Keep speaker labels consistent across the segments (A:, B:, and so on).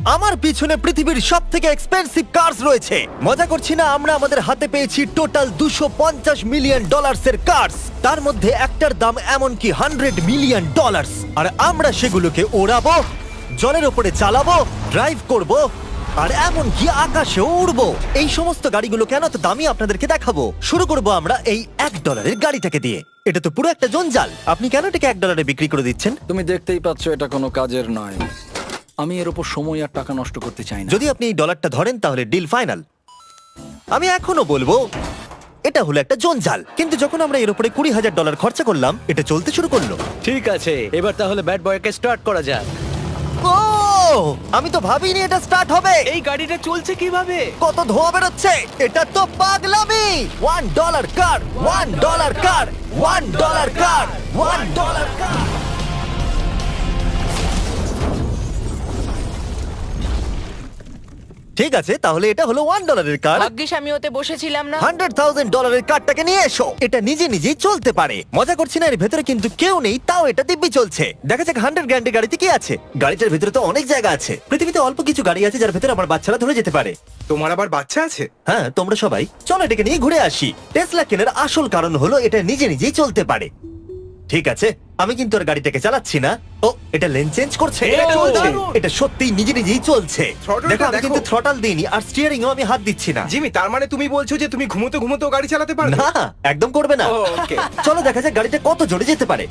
A: আমার পিছনে পৃথিবীর সব থেকে এক্সপেন্সিভ কার্স রয়েছে। মজা করছি না, আমরা আমাদের হাতে পেয়েছি টোটাল $250 মিলিয়ন এর কার্স। তার মধ্যে একটার দাম এমনকি $100 মিলিয়ন। আর আমরা সেগুলোকে ওড়াবো, জলের ওপরে চালাবো, ড্রাইভ করব, আর এমনকি আকাশেও উড়বো। এই সমস্ত গাড়িগুলো কেন তো দামি আপনাদেরকে দেখাবো। শুরু করব আমরা এই $1 গাড়িটাকে দিয়ে। এটা তো পুরো একটা জঞ্জাল। আপনি কেন এটাকে $1 বিক্রি করে দিচ্ছেন?
B: তুমি দেখতেই পাচ্ছ এটা কোনো কাজের নয়। আমি এর উপর সময় আর টাকা নষ্ট করতে চাই না।
A: যদি আপনি এই ডলারটা ধরেন তাহলে ডিল ফাইনাল। আমি এখনো বলবো এটা হলো একটা জঞ্জাল, কিন্তু যখন আমরা এর উপরে $20,000 খরচা করলাম, এটা চলতে শুরু করলো।
C: ঠিক আছে, এবার তাহলে ব্যাড বয়কে স্টার্ট করা যাক।
A: ও, আমি তো ভাবিনি এটা স্টার্ট হবে।
C: এই গাড়িটা চলছে কিভাবে?
A: কত ধোঁয়া বেরোচ্ছে, এটা তো পাগলামি। $1 কার, $1 কার, $1 কার, $1 কার। ঠিক আছে, তাহলে এটা হলো $1 কার।
D: ভাগ্যিস আমি ওতে বসেছিলাম না।
A: $100,000 কারটাকে নিয়ে এসো। এটা নিজে নিজেই চলতে পারে। মজা করছি না, এর ভেতরে কিন্তু কেউ নেই, তাও এটা দিব্যি চলছে। দেখা যাক 100 গ্র্যান্ডের গাড়িতে কি আছে। গাড়িটার ভেতরে তো অনেক জায়গা আছে। পৃথিবীতে অল্প কিছু গাড়ি আছে যার ভেতরে আমার বাচ্চারা ধরে যেতে পারে।
E: তোমার আবার বাচ্চা আছে?
A: হ্যাঁ, তোমরা সবাই চলো এটাকে নিয়ে ঘুরে আসি। টেসলা কেনার আসল কারণ হলো এটা নিজে নিজেই চলতে পারে। ঠিক আছে, আমি কিন্তু আর গাড়িটাকে চালাচ্ছি না। ও, এটা লেন চেঞ্জ করছে।
C: এটা চলছে।
A: এটা সত্যিই নিজে নিজেই চলছে।
E: Throttle-টা
A: দেখো, আমি
E: দেখো।
A: কিন্তু থ্রটাল দিইনি আর স্টিয়ারিংও আমি হাত দিচ্ছি না।
E: জিমি, তার মানে তুমি বলছো যে তুমি ঘুমোতে ঘুমোতেও গাড়ি চালাতে পারবে?
A: না, একদম করবে না।
E: ও, okay.
A: চলো দেখা যাক গাড়িটা কত জোরে যেতে পারে।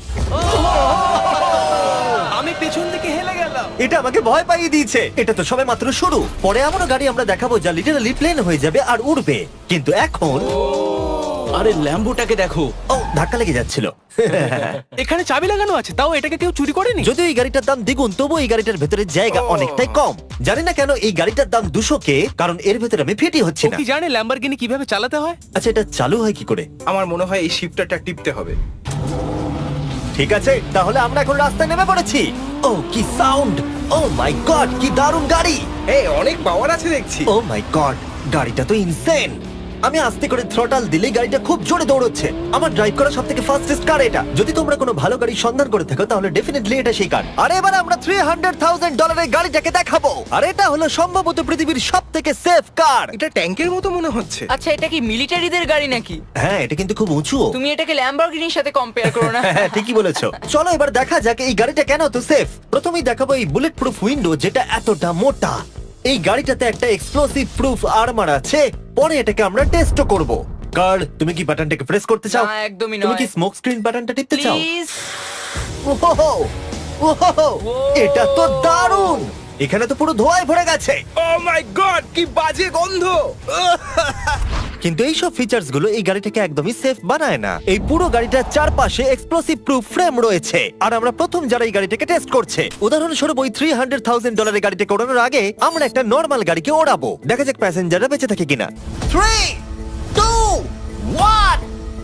C: আমি পেছন থেকে হেলে গেলাম।
A: এটা আমাকে ভয় পাইয়ে দিয়েছে। এটা তো সবে মাত্র শুরু। পরে এমনও গাড়ি আমরা দেখাবো যা লিটারালি প্লেন হয়ে যাবে আর উড়বে। কিন্তু এখন
C: আরে ল্যাম্বোটাকে দেখো,
A: ও, ধাক্কা লেগে যাচ্ছিল।
C: এখানে চাবি লাগানো আছে, তাও এটাকে কেউ চুরি করেনি।
A: যদিও এই গাড়িটার দাম দ্বিগুণ, তবু এই গাড়িটার ভেতরে জায়গা
E: ও।
A: অনেকটাই কম। জানি না কেন এই গাড়িটার দাম 200K, কারণ এর ভেতরে আমি ফিটি হচ্ছি
C: ও
A: না।
C: কি জানে ল্যাম্বরগিনি কিভাবে চালাতে হয়?
A: আচ্ছা, এটা চালু হয় কি করে?
E: আমার মনে হয় এই শিফটারটা টিপতে হবে।
A: ঠিক আছে, তাহলে আমরা এখন রাস্তায় নেমে পড়েছি। ও, কি সাউন্ড! ও মাই গড, কি দারুণ গাড়ি!
E: এই অনেক পাওয়ার আছে দেখছি।
A: ও মাই গড, গাড়িটা তো ইনসেন। আমি আস্তে করে থ্রটাল দিলে গাড়িটা খুব জোরে দৌড়চ্ছে। আমার ড্রাইভ করা সবথেকে ফাস্টেস্ট কার এটা। যদি তোমরা কোনো ভালো গাড়ি সন্ধান করে থাকো তাহলে ডেফিনেটলি এটা সেই কার। আর এবার আমরা $300,000 গাড়িটাকে দেখাবো। আর এটা হলো সম্ভবত পৃথিবীর সবথেকে সেফ কার।
E: এটা ট্যাঙ্কের মতো মনে হচ্ছে।
D: আচ্ছা, এটা কি মিলিটারিদের গাড়ি নাকি?
A: হ্যাঁ, এটা কিন্তু খুব উঁচু।
D: তুমি এটাকে ল্যাম্বরগিনির সাথে কম্পেয়ার করো না।
A: হ্যাঁ, ঠিকই বলেছো। চলো এবার দেখা যাক এই গাড়িটা কেন তো সেফ। প্রথমেই দেখাবো এই বুলেট প্রুফ উইন্ডো, যেটা এতটা মোটা। এই গাড়িটাতে একটা এক্সপ্লোসিভ প্রুফ আর্মার আছে। পরে এটাকে আমরা টেস্ট করব। কার্ল, তুমি কি বাটনটাকে প্রেস করতে চাও?
D: না, একদমই
A: তুমি
D: নয়।
A: কি স্মোক স্ক্রিন বাটনটা টিপতে চাও?
D: প্লিজ।
A: ওহো, ওহো, এটা তো দারুণ। এখানে তো পুরো ধোঁয়ায় ভরে গেছে।
E: ও মাই গড, কি বাজে গন্ধ!
A: কিন্তু এইসব ফিচার্স গুলো এই গাড়িটাকে একদমই সেফ বানায় না। এই পুরো গাড়িটার চারপাশে এক্সপ্লোসিভ প্রুফ ফ্রেম রয়েছে। আর আমরা প্রথম যারা এই গাড়িটাকে টেস্ট করছে, উদাহরণস্বরূপ ওই $300,000 গাড়িটাকে ওড়ানোর আগে আমরা একটা নর্মাল গাড়িকে ওড়াবো। দেখা যাক প্যাসেঞ্জাররা বেঁচে থাকে কিনা। 3, 2, 1।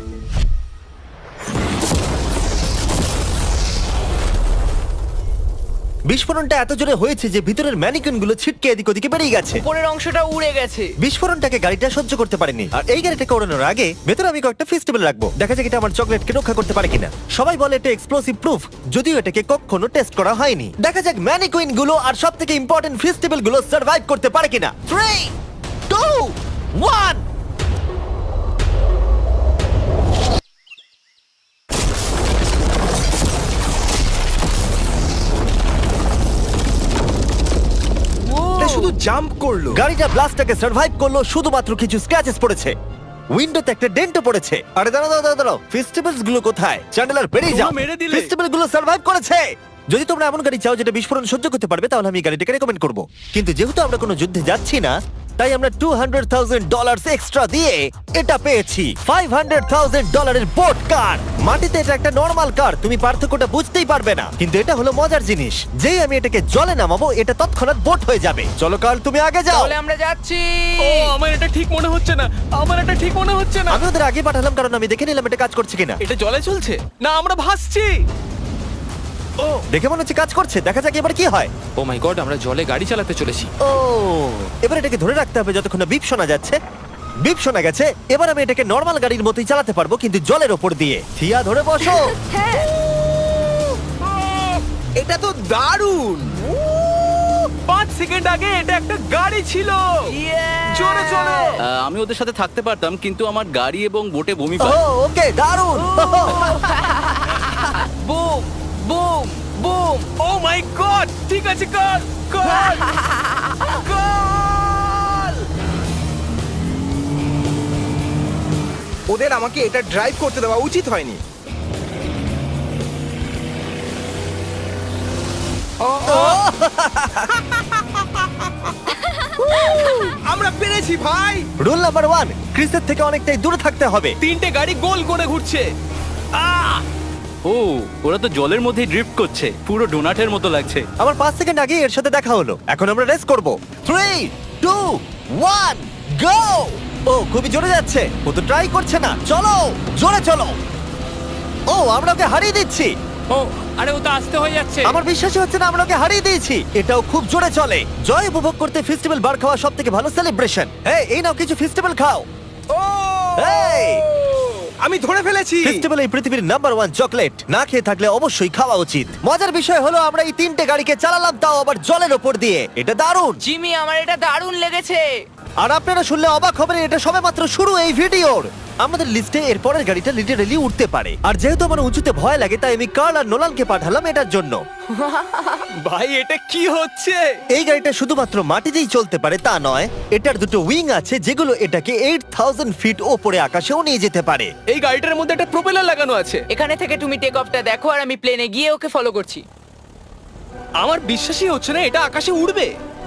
A: বিস্ফোরণটা এত জোরে হয়েছে যে ভিতরের ম্যানিকুইন গুলো ছিটকে এদিক ওদিকে বেরিয়ে গেছে।
D: উপরের অংশটা উড়ে গেছে।
A: বিস্ফোরণটাকে গাড়িটা সহ্য করতে পারেনি। আর এই গাড়িটাকে ওড়ানোর আগে ভেতরে আমি কয়েকটা ফেস্টিভ্যাল রাখবো। দেখা যাক এটা আমার চকলেটকে রক্ষা করতে পারে কিনা। সবাই বলে এটা এক্সপ্লোসিভ প্রুফ, যদিও এটাকে কখনো টেস্ট করা হয়নি। দেখা যাক ম্যানিকুইন গুলো আর সবথেকে ইম্পর্টেন্ট ফেস্টিভ্যাল গুলো সার্ভাইভ করতে পারে কিনা। 3, 2, 1।
E: এটা শুধু জাম্প করলো।
A: গাড়িটা ব্লাস্টটাকে সার্ভাইভ করলো, শুধুমাত্র কিছু স্ক্র্যাচেস পড়েছে। উইন্ডোতে একটা ডেন্টও পড়েছে। আরে দাঁড়াও দাঁড়াও দাঁড়াও, ফেস্টিভ্যালস গুলো কোথায়? চ্যান্ডেলার বেরিয়ে যাও।
C: তোমরা মেরে দিলে।
A: ফেস্টিভ্যাল গুলো সার্ভাইভ করেছে। যদি তোমরা এমন গাড়ি চাও যেটা বিস্ফোরণ সহ্য করতে পারবে, তাহলে আমি এই গাড়িটাকে রেকমেন্ড করব। কিন্তু যেহেতু আমরা কোনো যুদ্ধে যাচ্ছি না, তাই আমরা $200,000 এক্সট্রা দিয়ে এটা পেয়েছি। $500,000 এর বোট কার। মাটিতে এটা একটা নর্মাল কার, তুমি পার্থক্যটা বুঝতেই পারবে না। কিন্তু এটা হলো মজার জিনিস, যেই আমি এটাকে জলে নামাবো এটা তৎক্ষণাৎ বোট হয়ে যাবে। চলো কার্ল, তুমি আগে যাও।
D: তাহলে আমরা যাচ্ছি।
C: ও, আমার এটা ঠিক মনে হচ্ছে না, আমার এটা ঠিক মনে হচ্ছে না।
A: আমি ওদের আগে পাঠালাম কারণ আমি দেখে নিলাম এটা কাজ করছে কিনা।
C: এটা জলে চলছে না, আমরা ভাসছি। ও
A: দেখে মনে হচ্ছে কাজ করছে। দেখা যাক এবার কি হয়।
F: ও মাই গড, আমরা জলে গাড়ি চালাতে চলেছি।
A: ও, এবার এটাকে ধরে রাখতে হবে যতক্ষণ না বিপ শোনা যাচ্ছে। বিপ শোনা গেছে। এবার আমি এটাকে নর্মাল গাড়ির মতোই চালাতে পারবো, কিন্তু জলের ওপর দিয়ে। থিয়া, ধরে বসো।
D: হ্যাঁ।
E: এটা তো দারুণ!
C: 5 সেকেন্ড আগে এটা একটা গাড়ি ছিল। জোরে চলো।
G: আমি ওদের সাথে থাকতে পারতাম কিন্তু আমার গাড়ি এবং বোটে বমি
A: ও
G: পায়।
A: ওকে দারুণ
D: boom boom boom.
C: Oh my God, ঠিক আছে, কর কর কর।
E: ওদের আমাকে এটা ড্রাইভ করতে দেওয়া উচিত হয়নি। আমরা পেরেছি ভাই।
A: রুল নাম্বার 1, ক্রিসের থেকে অনেকটাই দূরে থাকতে হবে।
C: 3টে গাড়ি গোল করে ঘুরছে।
G: ও ওরা তো জলের মধ্যে ড্রিফট করছে, পুরো ডোনাটের মতো লাগছে।
A: আমার 5 সেকেন্ড আগে এর সাথে দেখা হলো। এখন আমরা রেস করব। 3 2 1 গো! ও খুবই জোরে যাচ্ছে। ও তো ট্রাই করছে না। চলো জোরে চলো। ও আমরা ওকে হারিয়ে দিচ্ছি।
F: ও আরে ও তো আসতে হয়ে যাচ্ছে।
A: আমার বিশ্বাসই হচ্ছে না আমরা ওকে হারিয়ে দিয়েছি। এটাও খুব জোরে চলে। জয় উপভোগ করতে ফেস্টিভ্যাল বার খাওয়া সব থেকে ভালো সেলিব্রেশন। এই নাও কিছু ফেস্টিভ্যাল খাও।
E: ও
A: এই!
E: আমি ধরে ফেলেছি।
A: ফেস্টিভ্যাল এই পৃথিবীর নাম্বার 1 চকলেট। না খেয়ে থাকলে অবশ্যই খাওয়া উচিত। মজার বিষয় হলো আমরা এই 3টে গাড়িকে চালালাম, তাও আবার জলের ওপর দিয়ে। এটা দারুণ।
D: জিমি, আমার এটা দারুণ লেগেছে।
A: আর আপনারা শুনলে অবাক হবেন, এটা সবেমাত্র শুরু এই ভিডিওর। আমাদের লিস্টে এর পরের গাড়িটা লিটারালি উঠতে পারে। আর যেহেতু আমার উঁচুতে ভয় লাগে, তাই আমি কার্ল আর নোলানকে পাঠালাম এটার জন্য।
C: ভাই এটা কি হচ্ছে?
A: এই গাড়িটা শুধুমাত্র মাটিতেই চলতে পারে তা নয়, এটার দুটো উইং আছে যেগুলো এটাকে 8000 ফিট ওপরে আকাশেও নিয়ে যেতে পারে।
C: এই গাড়িটার মধ্যে একটা প্রপেলার লাগানো আছে।
D: এখানে থেকে তুমি টেক অফটা দেখো আর আমি প্লেনে গিয়ে ওকে ফলো করছি।
C: আমার বিশ্বাসই হচ্ছে না এটা আকাশে উড়বে।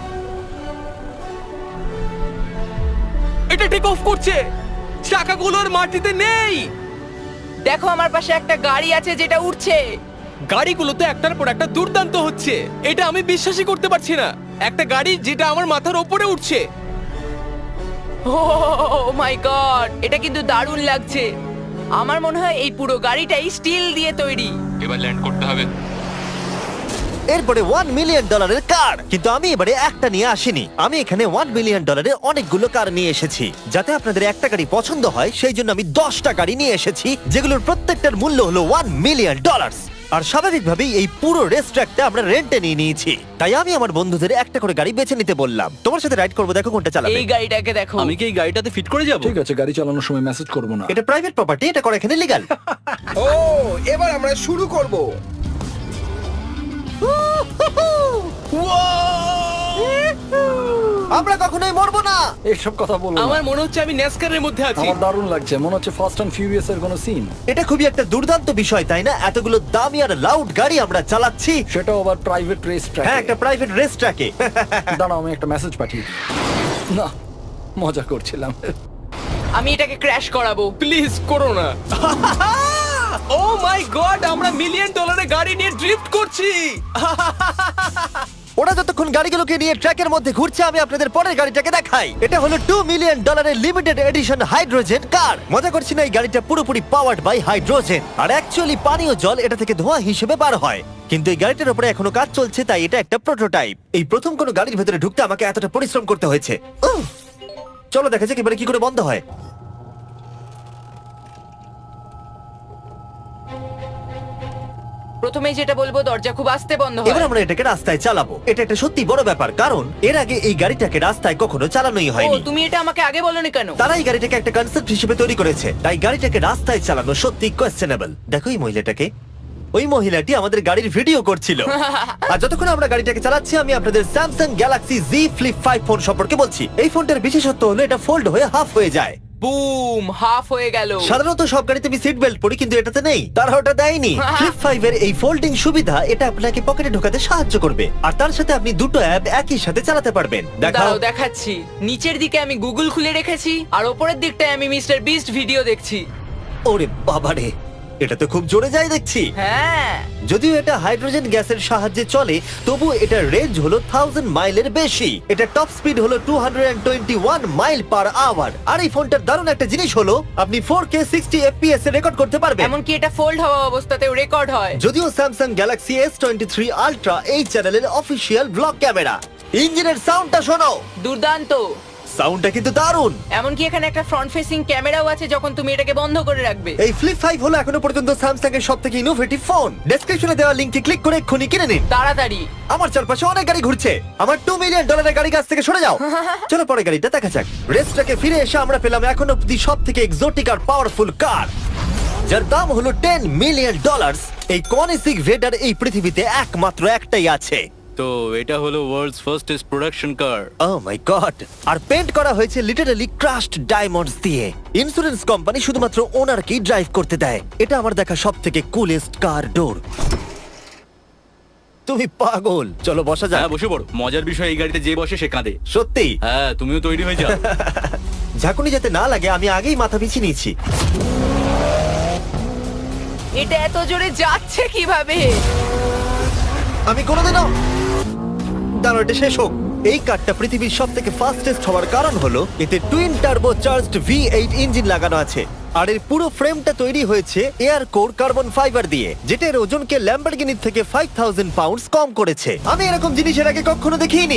C: এটা টেক অফ করছে। চাকাগুলোর মাটিতে নেই।
D: দেখো আমার পাশে একটা গাড়ি আছে যেটা উঠছে।
C: গাড়িগুলোতে একটার পর একটা দুর্দান্ত হচ্ছে। এটা আমি বিশ্বাসই করতে পারছি না। একটা গাড়ি যেটা আমার মাথার ওপরে উঠছে।
D: ও মাই গড, এটা কিন্তু দারুণ লাগছে। আমার মনে হয় এই পুরো গাড়িটাই স্টিল দিয়ে তৈরি।
F: এবার ল্যান্ড করতে হবে।
A: এরপরে $1 মিলিয়ন কার। কিন্তু আমি এবারে একটা নিয়ে আসিনি। আমি এখানে $1 মিলিয়ন অনেকগুলো কার নিয়ে এসেছি। যাতে আপনাদের একটা গাড়ি পছন্দ হয় সেই জন্য আমি 10টা গাড়ি নিয়ে এসেছি, যেগুলোর প্রত্যেকটার মূল্য হলো $1 মিলিয়ন। আর স্বাভাবিকভাবেই এই পুরো রেস ট্র্যাকটা আমরা রেন্টে নিয়ে নিয়েছি। তাই আমি আমার বন্ধুদের একটা করে গাড়ি বেছে নিতে বললাম। তোমার সাথে রাইড করবো, দেখো কোনটা চালাবে।
D: এই গাড়িটাকে দেখো।
G: আমি কি এই গাড়িটাতে ফিট করে যাব?
B: ঠিক আছে, গাড়ি চালানোর সময় মেসেজ করবো না।
A: এটা প্রাইভেট প্রপার্টি, এটা করা এখানে লিগ্যাল।
E: ও এবার আমরা শুরু করব।
A: আমরা কখনোই মরবো না।
B: এইসব কথা বলবো না।
C: আমার মনে হচ্ছে আমি ন্যাসকারের মধ্যে আছি।
B: আমার দারুণ লাগছে, মনে হচ্ছে ফাস্ট অ্যান্ড ফিউরিয়াস এর কোনো সিন।
A: এটা খুবই একটা দুর্দান্ত বিষয়, তাই না? এতগুলো দামি আর লাউড গাড়ি আমরা চালাচ্ছি।
B: সেটাও আবার প্রাইভেট রেস ট্র্যাক।
A: হ্যাঁ, একটা প্রাইভেট রেস ট্র্যাকে।
B: দাঁড়াও, আমি একটা মেসেজ পাঠিয়ে দিই। না, মজা করছিলাম।
D: আমি এটাকে ক্র্যাশ করাবো।
C: প্লিজ করো না। ও মাই গড, আমরা $1 মিলিয়ন গাড়ি নিয়ে ড্রিফট করছি।
A: ওরা যতক্ষণ গাড়িগুলোকে নিয়ে ট্র্যাকের মধ্যে ঘুরছে, আমি আপনাদের পরের গাড়িটাকে দেখাই। এটা হলো $2 million limited edition hydrogen car. মজা করছি না, এই গাড়িটা পুরোপুরি পাওয়ার্ড বাই হাইড্রোজেন। আর অ্যাকচুয়ালি পানীয় জল এটা থেকে ধোঁয়া হিসেবে বার হয়। কিন্তু এই গাড়িটার উপরে এখনো কাজ চলছে, তাই এটা একটা প্রোটোটাইপ। এই প্রথম কোনো গাড়ির ভেতরে ঢুকতে আমাকে এতটা পরিশ্রম করতে হয়েছে। চলো দেখা যাক এবারে কি করে বন্ধ হয়।
D: প্রথমেই যেটা বলবো, দরজা খুব আস্তে বন্ধ হয়।
A: এবার আমরা এটাকে রাস্তায় চালাবো। এটা একটা সত্যি বড় ব্যাপার, কারণ এর আগে এই গাড়িটাকে রাস্তায় কখনো চালানোই
D: ও,
A: হয়নি।
D: তুমি এটা আমাকে আগে বলনি কেন?
A: তারা এই গাড়িটাকে একটা কনসেপ্ট হিসেবে তৈরি করেছে, তাই গাড়িটাকে রাস্তায় চালানো সত্যি কোয়েশ্চেনেবল। দেখো এই মহিলাটাকে। ওই মহিলাটি আমাদের গাড়ির ভিডিও করছিল। আর যতক্ষণ আমরা গাড়িটাকে চালাচ্ছি, আমি আপনাদের Samsung Galaxy Z Flip 5 phone সম্পর্কে বলছি। এই ফোনটার বিশেষত্ব হলো এটা ফোল্ড হয়ে হাফ হয়ে যায়।
D: বুম, হাফ হয়ে গেল।
A: সাধারণত সব গাড়িতে আমি সিট বেল্ট পরি, কিন্তু এটাতে নেই। তারা ওটা দেয়নি। ফ্লিপ 5 এর এই ফোল্ডিং সুবিধা এটা আপনাকে পকেটে ঢোকাতে সাহায্য করবে। আর তার সাথে আপনি দুটো অ্যাপ একই সাথে চালাতে পারবেন। দেখাও।
D: দাঁড়াও দেখাচ্ছি। নিচের দিকে আমি গুগল খুলে রেখেছি, আর ওপরের দিকটায় আমি মিস্টার বিস্ট ভিডিও দেখছি।
A: ওরে বাবারে, এটা তো খুব জোরে যায় দেখছি।
D: হ্যাঁ,
A: যদিও এটা হাইড্রোজেন গ্যাসের সাহায্যে চলে, তবু এটার রেঞ্জ হলো 1000 মাইলের বেশি। এটা টপ স্পিড হলো 221 মাইল পার আওয়ার। আর এই ফোনটার দারুণ একটা জিনিস হলো আপনি 4K 60 FPS এ রেকর্ড করতে পারবেন।
D: এমনকি এটা ফোল্ড হওয়া অবস্থাতেও রেকর্ড হয়।
A: যদিও স্যামসাং গ্যালাক্সি S23 আলট্রা এই চ্যানেলের অফিসিয়াল ব্লগ ক্যামেরা। ইঞ্জিনের সাউন্ডটা শোনো।
D: দুর্দান্ত।
A: সাউন্ডটা কিন্তু দারুণ।
D: এমনকি এখানে একটা ফ্রন্ট ফেসিং ক্যামেরাও আছে যখন তুমি এটাকে বন্ধ করে রাখবে।
A: এই ফ্লিপ 5 হলো এখনো পর্যন্ত স্যামসাং এর সবথেকে ইনোভেটিভ ফোন। ডেসক্রিপশনে দেওয়া লিংকে ক্লিক করে এক্ষুনি কিনে নিন।
D: তাড়াতাড়ি।
A: আমার চারপাশে অনেক গাড়ি ঘুরছে। আমার $2 মিলিয়ন গাড়ি কাছ থেকে সরে যাও। চলো পরে গাড়িটা দেখা যাক। রেসটাকে ফিরে এসে আমরা পেলাম এখন অব্দি সবথেকে এক্সোটিক আর পাওয়ারফুল কার, যার দাম হলো $10 মিলিয়ন। এই কনিসিক ভেডার এই পৃথিবীতে একমাত্র একটাই আছে।
G: তো এটা হলো world's fastest production car.
A: Oh my God! আর পেন্ট করা হয়েছে লিটারালি ক্রাশড ডায়মন্ডস দিয়ে। ইন্স্যুরেন্স কোম্পানি শুধুমাত্র ওনারকেই ড্রাইভ করতে দেয়। এটা আমার দেখা সবথেকে কুলেস্ট কার ডোর। তুমি পাগল। চলো বসা যাক।
G: হ্যাঁ বসে পড়ো। মজার বিষয় এই গাড়িতে যে বসে সে কাঁদে।
A: সত্যি
G: হ্যাঁ তুমিও তৈরি হয়ে যাও।
A: ঝাঁকুনি যাতে না লাগে আমি আগেই মাথা পিছিয়ে নিয়েছি।
D: এটা এত জোরে যাচ্ছে কিভাবে?
A: আমি কোনোদিনও দাঁড়ো, এটা শেষ হোক। এই কারটা পৃথিবীর সব থেকে ফাস্টেস্ট হওয়ার কারণ হলো এতে twin turbo charged V8 engine লাগানো আছে। আর এর পুরো ফ্রেমটা তৈরি হয়েছে এয়ার কোর কার্বন ফাইবার দিয়ে, যেটা এর ওজনকে ল্যাম্বরগিনির থেকে 5000 পাউন্ডস কম করেছে। আমি এরকম জিনিস এর আগে কখনো দেখিনি।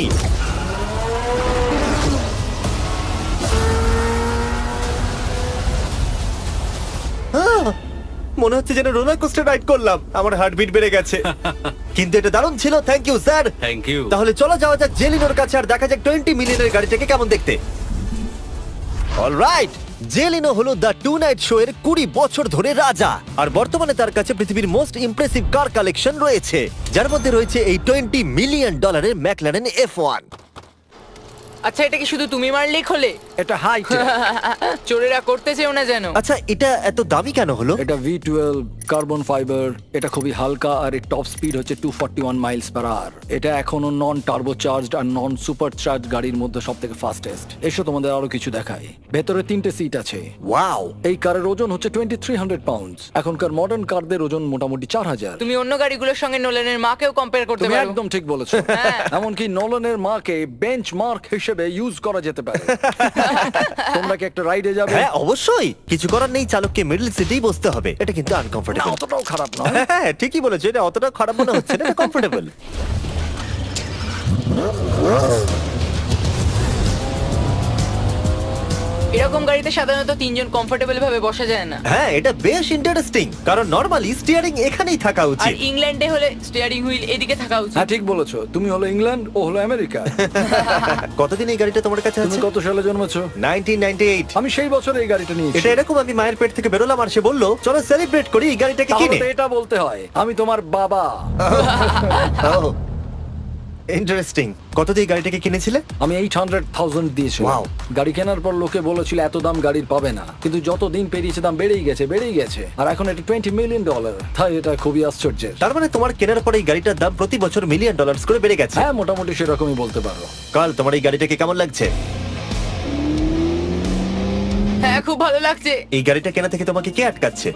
A: মনে হচ্ছে যেন রোলার কোস্টার রাইড করলাম। আমার হার্টবিট বেড়ে গেছে। কিন্তু এটা দারুণ ছিল। Thank you sir.
G: Thank you.
A: তাহলে চলো যাওয়া যাক জেলিনোর কাছে আর দেখা যাক 20 মিলিয়নের গাড়িটাকে কেমন দেখতে। অলরাইট, জেলিনো হলো দ্য টু নাইট শো এর 20 বছর ধরে রাজা। আর বর্তমানে তার কাছে পৃথিবীর মোস্ট ইমপ্রেসিভ কার কালেকশন রয়েছে, যার মধ্যে রয়েছে এই $20 মিলিয়ন ম্যাকলারেন F1।
D: আচ্ছা, এটা কি শুধু তুমি মারলেই খোলে?
B: এটা হাই।
D: চোরেরা করতে চেও না যেন।
A: আচ্ছা, এটা এত দামি কেন হলো?
B: এটা V12 কার্বন ফাইবার। এটা খুবই হালকা আর এর টপ স্পিড হচ্ছে 241 মাইলস পার আওয়ার। এটা এখনো নন টার্বো চার্জড আর নন সুপার চার্জ গাড়ির মধ্যে সবথেকে ফাস্টেস্ট। এসো তোমাদের আরো কিছু দেখাই। ভেতরে 3টে সিট আছে।
A: ওয়াও!
B: এই কারের ওজন হচ্ছে 2300 পাউন্ডস। এখনকার মডার্ন কারদের ওজন মোটামুটি 4000।
D: তুমি অন্য গাড়িগুলোর সঙ্গে নোলেনের মাকেও কম্পেয়ার করতে
B: তুমি
D: পারো।
B: একদম ঠিক বলেছো।
D: হ্যাঁ।
B: এমনকি নোলানের মাকে বেঞ্চমার্ক হিসেবে ইউজ করা যেতে পারে। তোমরা কি একটা রাইডে যাবে?
A: হ্যাঁ অবশ্যই। কিছু করার নেই, চালককে মিডল সিটেই বসতে হবে। এটা কিন্তু
B: না,
A: আনকমফোর্টেবল।
B: অতটাও খারাপ নয়।
A: হ্যাঁ ঠিকই বলেছো, এটা অতটা খারাপ মনে হচ্ছে না, এটা কমফোর্টেবল।
D: এরকম গাড়িতে সাধারণত 3 জন কমফোর্টেবল ভাবে বসা যায় না।
A: হ্যাঁ এটা বেশ ইন্টারেস্টিং, কারণ নরমালি স্টিয়ারিং এখানেই থাকা
D: আর
A: উচিত।
D: ইংল্যান্ডে হলে স্টিয়ারিং হুইল এদিকে থাকা উচিত।
B: হ্যাঁ ঠিক বলেছো। তুমি হলো ইংল্যান্ড, ও হলো আমেরিকা।
A: কতদিন এই গাড়িটা তোমার কাছে
B: তুমি
A: আছে?
B: কত সালে জন্মেছো?
A: 1998।
B: আমি সেই বছর এই গাড়িটা নিয়েছি।
A: এটা এরকম, আমি মায়ের পেট থেকে বেরোলাম আর সে বললো চলো সেলিব্রেট করি এই গাড়িটাকে
B: তাহলে
A: কিনে।
B: তো এটা বলতে হয় আমি তোমার বাবা।
A: ইন্টারেস্টিং। কত দিয়ে এই গাড়িটাকে কিনেছিলে?
B: আমি 800,000 দিয়েছি।
A: Wow.
B: গাড়ি কেনার পর লোকে বলেছিল এত দাম গাড়ির পাবে না, কিন্তু যত দিন পেরিয়েছে দাম বেড়েই গেছে। আর এখন এটা $20 মিলিয়ন। তাই এটা খুবই আশ্চর্যের।
A: তার মানে তোমার কেনার পরে এই গাড়িটার দাম প্রতি বছর $1 মিলিয়ন করে বেড়ে গেছে।
B: হ্যাঁ মোটামুটি সেরকমই বলতে পারো।
A: কাল তোমার এই গাড়িটাকে কেমন লাগছে?
D: হ্যাঁ খুব ভালো লাগছে।
A: এই গাড়িটা কেনা থেকে তোমাকে কে আটকাচ্ছে?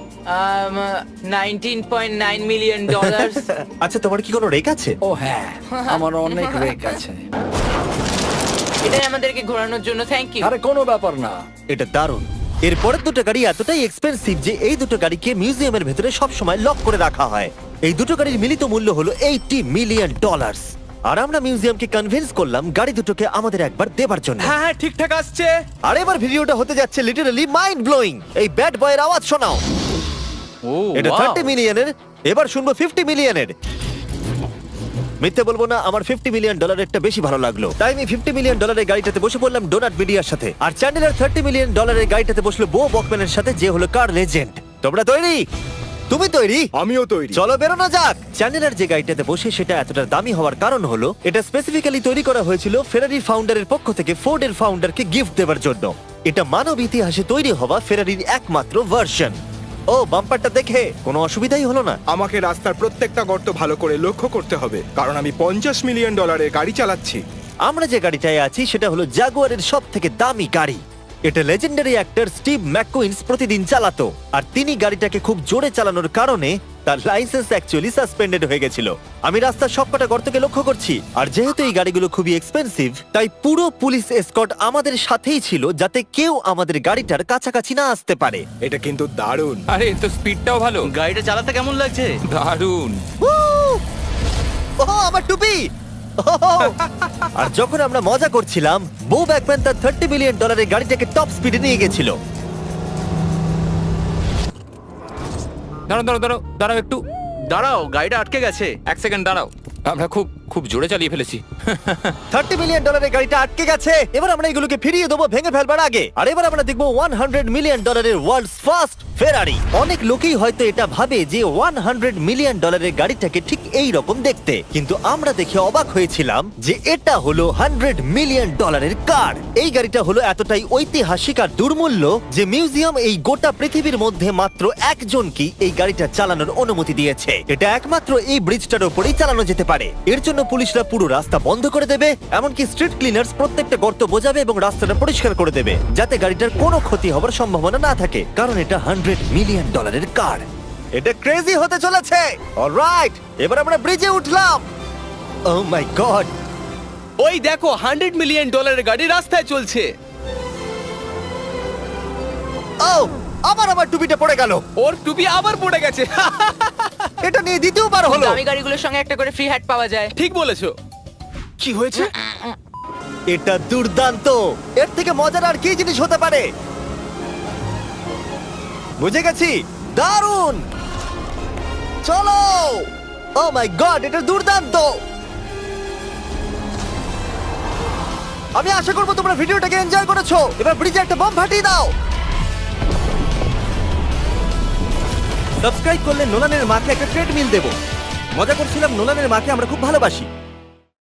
D: $19.9 মিলিয়ন।
A: আচ্ছা তোমার কি কোনো রেক আছে?
B: ও হ্যাঁ, আমার অনেক রেক আছে।
D: এটাই আমাদেরকে ঘোরানোর জন্য থ্যাংক ইউ।
B: আরে কোনো ব্যাপার না।
A: এটা দারুণ। এর পরের দুটো গাড়ি এতটাই এক্সপেন্সিভ যে এই দুটো গাড়িকে মিউজিয়ামের ভেতরে সব সময় লক করে রাখা হয়। এই দুটো গাড়ির মিলিত মূল্য হলো $80 মিলিয়ন। আর আমরা মিউজিয়ামকে কনভিন্স করলাম গাড়ি দুটোকে আমাদের একবার দেবার জন্য।
C: হ্যাঁ হ্যাঁ ঠিকঠাক আসছে।
A: আর এবার ভিডিওটা হতে যাচ্ছে লিটারালি মাইন্ড ব্লোয়িং। এই ব্যাড বয়ের আওয়াজ শোনাও।
G: ও
A: এটা
G: wow!
A: 30 মিলিয়নের, এবার শুনবো 50 মিলিয়নের। মিথ্যে বলবো না, আমার $50 মিলিয়ন বেশি ভালো লাগলো, তাই আমি $50 মিলিয়ন গাড়িটাতে বসে পড়লাম ডোনাট মিডিয়ার সাথে। আর চ্যান্ডেলার $30 মিলিয়ন গাড়িটাতে বসলো বো বকম্যানের সাথে, যে হলো কার লেজেন্ড। তোমরা তৈরি? তুমি তৈরি?
E: আমিও তৈরি।
A: চলো বেরোনো যাক। চ্যান্ডেলার যে গাড়িটাতে বসে সেটা এতটা দামি হওয়ার কারণ হলো এটা স্পেসিফিক্যালি তৈরি করা হয়েছিল ফেরারি ফাউন্ডারের পক্ষ থেকে ফোর্ডের ফাউন্ডারকে গিফট দেওয়ার জন্য। এটা মানব ইতিহাসে তৈরি হওয়া ফেরারির একমাত্র ভার্সন। ও বাম্পারটা দেখে কোনো অসুবিধাই হলো না।
E: আমাকে রাস্তার প্রত্যেকটা গর্ত ভালো করে লক্ষ্য করতে হবে, কারণ আমি $50 মিলিয়ন গাড়ি চালাচ্ছি।
A: আমরা যে গাড়িটায় আছি সেটা হলো জাগুয়ারের সব থেকে দামি গাড়ি। এটা লেজেন্ডারি অ্যাক্টর স্টিভ ম্যাককুইন্স প্রতিদিন চালাতো, আর তিনি গাড়িটাকে খুব জোরে চালানোর কারণে তার লাইসেন্স অ্যাকচুয়ালি সাসপেন্ডেড হয়ে গেছিল। আমি রাস্তার সবকটা গর্তকে লক্ষ্য করছি, আর যেহেতু এই গাড়িগুলো খুবই এক্সপেন্সিভ তাই পুরো পুলিশ এসকর্ট আমাদের সাথেই ছিল, যাতে কেউ আমাদের গাড়িটার কাছাকাছি না আসতে পারে।
E: এটা কিন্তু দারুণ।
F: আরে এর তো স্পিডটাও ভালো।
G: গাড়িটা চালাতে কেমন লাগছে?
F: দারুণ।
A: ও আমার টুপি! আর যখন আমরা মজা করছিলাম, বো ব্যাকম্যান তার $30 মিলিয়ন গাড়িটাকে টপ স্পিডে নিয়ে গেছিল।
F: দাঁড়াও দাঁড়াও দাঁড়াও দাঁড়াও একটু
G: দাঁড়াও, গাড়িটা আটকে গেছে।
F: এক সেকেন্ড দাঁড়াও, আমরা খুব খুব জোরে চালিয়ে ফেলেছি।
A: $30 মিলিয়ন গাড়িটা আটকে গেছে। এবার আমরা এগুলোকে ফিরিয়ে দেবো ভেঙে ফেলবার আগে। আর এবার আমরা দেখবো $100 মিলিয়ন ওয়ার্ল্ডস ফার্স্ট ফেরারি। অনেক লোকেই হয়তো এটা ভাবে যে $100 মিলিয়ন গাড়িটাকে ঠিক এই রকম দেখতে, কিন্তু আমরা দেখে অবাক হয়েছিলাম যে এটা হলো $100 মিলিয়ন কার। এই গাড়িটা হলো এতটাই ঐতিহাসিক আর দুর্মূল্য যে মিউজিয়াম এই গোটা পৃথিবীর মধ্যে মাত্র একজনকেই এই গাড়িটা চালানোর অনুমতি দিয়েছে। এটা একমাত্র এই ব্রিজটার উপরেই চালানো যেতে পারে। এর জন্য পুলিশরা পুরো রাস্তা বন্ধ করে দেবে, এমনকি স্ট্রিট ক্লিনার্স প্রত্যেকটা গর্ত বোঝাবে এবং রাস্তাটা পরিষ্কার করে দেবে, যাতে গাড়িটার কোনো ক্ষতি হবার সম্ভাবনা না থাকে, কারণ এটা $100 মিলিয়ন কার। এটা ক্রেজি হতে চলেছে। অলরাইট, এবার আমরা ব্রিজে উঠলাম। ও মাই গড,
C: ওই দেখো $100 মিলিয়ন গাড়ি রাস্তায় চলছে।
A: ও আবার আমার টুপিটা পড়ে গেল।
C: ওর টুপি আবার পড়ে গেছে।
A: এটা নিয়ে দ্বিতীয়বার হলো।
D: দামি গাড়িগুলোর সঙ্গে একটা করে ফ্রি হ্যাট পাওয়া যায়।
C: ঠিক বলেছো। কি হয়েছে?
A: এটা দুর্দান্ত। এর থেকে মজার আর কি জিনিস হতে পারে? বুঝে গেছি, দারুণ। চলো। ও মাই গড, এটা দুর্দান্ত। আমি আশা করবো তোমরা ভিডিওটাকে এনজয় করেছো। এবার ব্রিজে একটা বম ফাটিয়ে দাও। সাবস্ক্রাইব করলে নোলানের মাকে একটা ট্রেডমিল দেবো। মজা করছিলাম, নোলানের মাকে আমরা খুব ভালোবাসি।